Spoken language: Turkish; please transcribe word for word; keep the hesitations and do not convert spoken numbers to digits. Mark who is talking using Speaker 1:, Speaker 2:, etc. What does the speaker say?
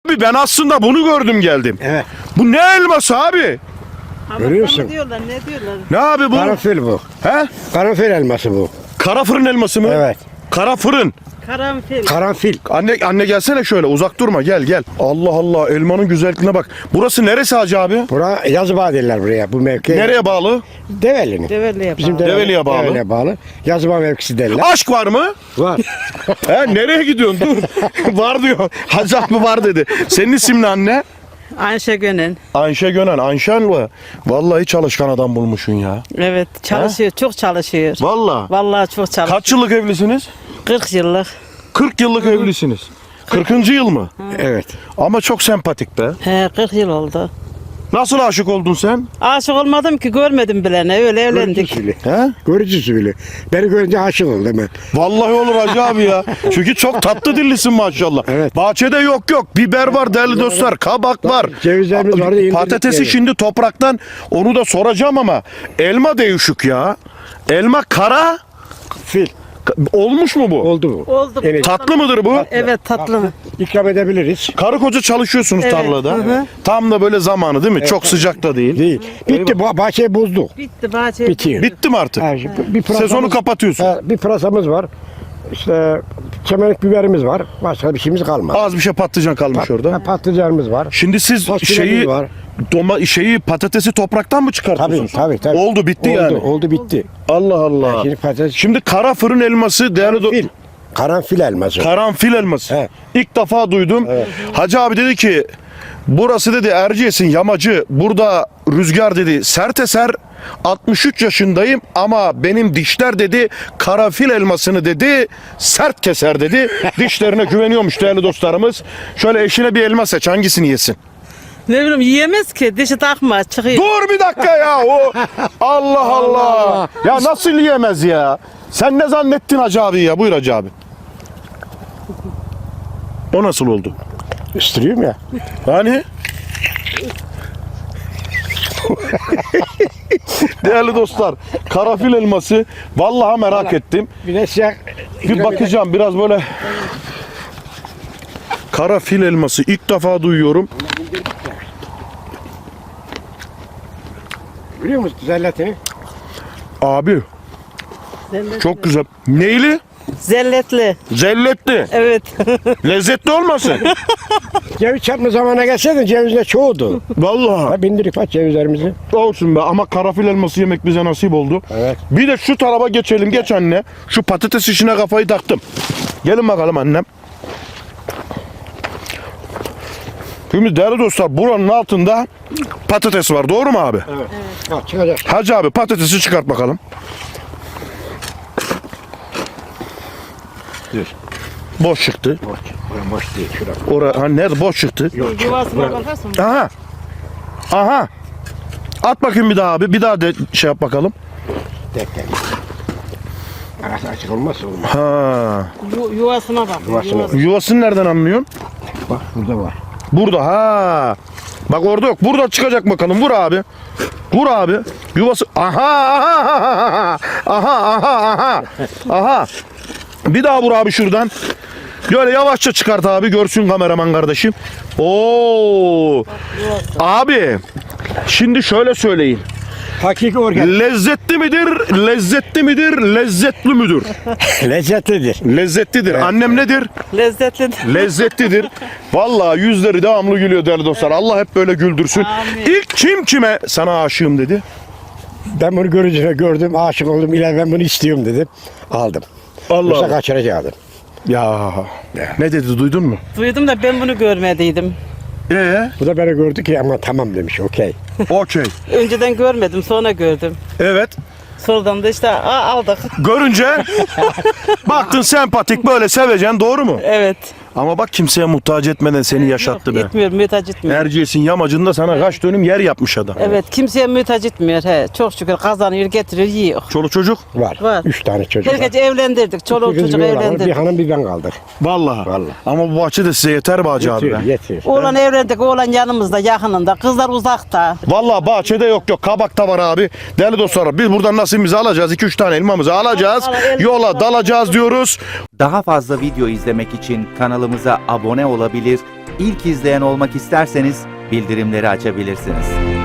Speaker 1: Abi ben aslında bunu gördüm geldim.
Speaker 2: Evet.
Speaker 1: Bu ne elması abi?
Speaker 2: Görüyor musun?
Speaker 3: Ne diyorlar, ne diyorlar?
Speaker 1: Ne abi bu?
Speaker 2: Karanfil bu.
Speaker 1: He?
Speaker 2: Karanfil elması bu.
Speaker 1: Kara fırın elması mı?
Speaker 2: Evet.
Speaker 1: Kara fırın.
Speaker 3: Karanfil.
Speaker 2: Karanfil.
Speaker 1: Anne anne gelsene şöyle, uzak durma, gel gel. Allah Allah, elmanın güzelliğine bak. Burası neresi Hacı abi?
Speaker 2: Bura Yazıbağ derler buraya bu mevki.
Speaker 1: Nereye bağlı?
Speaker 2: Develi'nin.
Speaker 3: Develi'ye
Speaker 2: Bizim
Speaker 3: bağlı.
Speaker 2: Develi-
Speaker 1: Develi'ye bağlı.
Speaker 2: Develi'ye bağlı. Yazıbağ mevkisi derler.
Speaker 1: Aşk var mı?
Speaker 2: Var.
Speaker 1: He, nereye gidiyorsun? Dur. Var diyor. Hacı abi var dedi. Senin isim ne anne?
Speaker 3: Ayşe Gönen.
Speaker 1: Ayşe Gönen. Ayşen mi? Vallahi çalışkan adam bulmuşsun ya.
Speaker 3: Evet, çalışıyor, çok çalışıyor.
Speaker 1: Vallahi.
Speaker 3: Vallahi çok çalışıyor.
Speaker 1: Kaç yıllık evlisiniz?
Speaker 3: kırk yıllık.
Speaker 1: kırk yıllık evlisiniz. kırkıncı yıl mı?
Speaker 2: Evet.
Speaker 1: Ama çok sempatik be.
Speaker 3: He, kırk yıl oldu.
Speaker 1: Nasıl aşık oldun sen?
Speaker 3: Aşık olmadım ki, görmedim bile ne, öyle
Speaker 2: Görücü
Speaker 3: evlendik.
Speaker 2: usulü.
Speaker 1: He?
Speaker 2: Görücü usulü. Beni görünce aşık oldu hemen.
Speaker 1: Vallahi olur Hacı abi ya. Çünkü çok tatlı dillisin maşallah.
Speaker 2: Evet.
Speaker 1: Bahçede yok yok. Biber var değerli dostlar. Kabak var.
Speaker 2: Cevizlerimiz vardı, indirdik
Speaker 1: Patatesi
Speaker 2: yani.
Speaker 1: şimdi topraktan, onu da soracağım ama elma değişik ya. Elma kara.
Speaker 2: Fil.
Speaker 1: Olmuş mu bu?
Speaker 2: Oldu mu?
Speaker 3: Oldu.
Speaker 2: Evet.
Speaker 1: Tatlı mıdır bu?
Speaker 3: Evet, tatlı mı?
Speaker 2: İkram edebiliriz.
Speaker 1: Karı koca çalışıyorsunuz
Speaker 3: Evet,
Speaker 1: tarlada.
Speaker 3: hı hı.
Speaker 1: Tam da böyle zamanı değil mi? Çok sıcak da değil.
Speaker 2: Değil. Bitti. Ba- bahçeyi bozduk.
Speaker 3: Bitti, bahçe.
Speaker 2: Bitiyor.
Speaker 1: Bitti mi artık?
Speaker 2: Ha, şimdi bir pırasamız-
Speaker 1: Sezonu kapatıyorsun.
Speaker 2: Ha, bir pırasamız var. İşte çemenlik biberimiz var. Başka bir şeyimiz kalmadı.
Speaker 1: Az bir şey patlıcan kalmış orada.
Speaker 2: Ha, patlıcanımız var.
Speaker 1: Şimdi siz
Speaker 2: Fasulyemiz
Speaker 1: şeyi
Speaker 2: var.
Speaker 1: doma şeyi patatesi topraktan mı
Speaker 2: Tabii
Speaker 1: çıkartıyorsunuz?
Speaker 2: tabii tabii.
Speaker 1: Oldu bitti
Speaker 2: oldu,
Speaker 1: yani.
Speaker 2: Oldu bitti.
Speaker 1: Allah Allah.
Speaker 2: Şimdi patates.
Speaker 1: Şimdi kara fırın elması değerli do-
Speaker 2: Fil. Karanfil elması.
Speaker 1: karanfil elması.
Speaker 2: He.
Speaker 1: İlk defa duydum. Hacı abi dedi ki burası dedi Erciyes'in yamacı. Burada rüzgar dedi sert eser. altmış üç yaşındayım ama benim dişler dedi karanfil elmasını dedi sert keser dedi. Dişlerine güveniyormuş değerli dostlarımız. Şöyle eşine bir elma seç, hangisini yesin?
Speaker 3: Ne bileyim, yiyemez ki, dişi takma, çıkıyor.
Speaker 1: Dur bir dakika ya. O Allah Allah. Ya nasıl yiyemez ya? Sen ne zannettin Hacı abi ya? Buyur Hacı abi. O nasıl oldu?
Speaker 2: Üstürüyorum ya.
Speaker 1: Hani? Değerli dostlar, karanfil elması vallahi merak ettim.
Speaker 2: Bir de siyah.
Speaker 1: Bir bakacağım biraz böyle. Karanfil elması ilk defa duyuyorum.
Speaker 2: Biliyor musun zelletini?
Speaker 1: Abi
Speaker 3: Zelletli.
Speaker 1: çok güzel. Neyli?
Speaker 3: Zelletli.
Speaker 1: Zelletli.
Speaker 3: Evet.
Speaker 1: Lezzetli olmasın?
Speaker 2: Ceviz çarpma zamanına gelseydin cevizler çoğudu.
Speaker 1: Vallahi.
Speaker 2: Ha, bindirdik bak cevizlerimizi.
Speaker 1: Olsun be, ama karanfil elması yemek bize nasip oldu.
Speaker 2: Evet.
Speaker 1: Bir de şu tarafa geçelim. Geç anne. Şu patates işine kafayı taktım. Gelin bakalım annem. Şimdi değerli dostlar, buranın altında patates var. Doğru mu abi?
Speaker 2: Evet. Ha, çıkacak.
Speaker 1: Hacı abi patatesi çıkart bakalım.
Speaker 2: Dur.
Speaker 1: Boş çıktı.
Speaker 2: Boş. Burası boş değil. Şurada.
Speaker 1: Orada ha, nerede boş çıktı?
Speaker 3: Yuvasına bakarsın.
Speaker 1: Aha. Aha. At bakayım bir daha abi. Bir daha de şey yap bakalım.
Speaker 2: Tek tek. Arası açık olmazsa olmaz.
Speaker 1: Ha.
Speaker 3: Yu- yuvasına bak.
Speaker 2: Yuvasına.
Speaker 3: Yuvası.
Speaker 1: Yuvasını nereden anlıyorsun?
Speaker 2: Bak burada var.
Speaker 1: Burada ha. Bak orada yok. Burada çıkacak bakalım. Vur abi. Vur abi. Yuvası. Aha aha aha aha aha. Aha. Bir daha vur abi şuradan. Böyle yavaşça çıkart abi. Görsün kameraman kardeşim. Oo. Abi. Şimdi şöyle söyleyin.
Speaker 2: Hakiki organ.
Speaker 1: Lezzetli midir? Lezzetli midir? Lezzetli müdür?
Speaker 2: Lezzetlidir.
Speaker 1: Lezzetlidir. Annem nedir?
Speaker 3: Lezzetli.
Speaker 1: Lezzetlidir. Vallahi yüzleri devamlı gülüyor değerli dostlar. Allah hep böyle güldürsün.
Speaker 3: Amin.
Speaker 1: İlk kim kime sana aşığım dedi?
Speaker 2: Ben bunu görünce gördüm, aşık oldum. İler ben bunu istiyorum dedim. Aldım.
Speaker 1: Allah
Speaker 2: Yoksa
Speaker 1: Allah.
Speaker 2: kaçıracaktım.
Speaker 1: Ya. Ne dedi, duydun mu?
Speaker 3: Duydum da ben bunu görmediydim.
Speaker 1: Ee,
Speaker 2: Bu da beni gördü ki ama tamam demiş, okey.
Speaker 1: okey.
Speaker 3: Önceden görmedim, sonra gördüm.
Speaker 1: Evet.
Speaker 3: Sonradan da işte aa, aldık.
Speaker 1: Görünce baktın sempatik, böyle seveceksin, doğru mu?
Speaker 3: Evet.
Speaker 1: Ama bak kimseye muhtaç etmeden seni yaşattı be.
Speaker 3: Gitmiyor, mühtaç etmiyor.
Speaker 1: Erciyes'in yamacında sana kaç dönüm yer yapmış adam.
Speaker 3: Evet, kimseye mühtaç etmiyor. He. Çok şükür kazanıyor, getiriyor, yiyor.
Speaker 1: Çoluk çocuk?
Speaker 2: Var.
Speaker 3: Var.
Speaker 2: Üç tane çocuk var.
Speaker 3: Herkese evlendirdik, çoluk
Speaker 2: Bir kız,
Speaker 3: çocuk
Speaker 2: bir oğlan var, Bir
Speaker 3: evlendirdik.
Speaker 2: hanım bir ben kaldık.
Speaker 1: Vallahi.
Speaker 2: Vallahi.
Speaker 1: Ama bu bahçe de size yeter be Hacı abi
Speaker 2: Yetiyor,
Speaker 1: be.
Speaker 2: yetiyor.
Speaker 3: Oğlan evlendik, oğlan yanımızda, yakınında. Kızlar uzakta.
Speaker 1: Vallahi bahçede yok yok, kabakta var abi. Değerli dostlar, biz buradan nasibimizi alacağız. iki üç tane elmamızı alacağız.
Speaker 3: Al, al, el-
Speaker 1: Yola dalacağız diyoruz.
Speaker 4: Daha fazla video izlemek için kanalımıza abone olabilir, ilk izleyen olmak isterseniz bildirimleri açabilirsiniz.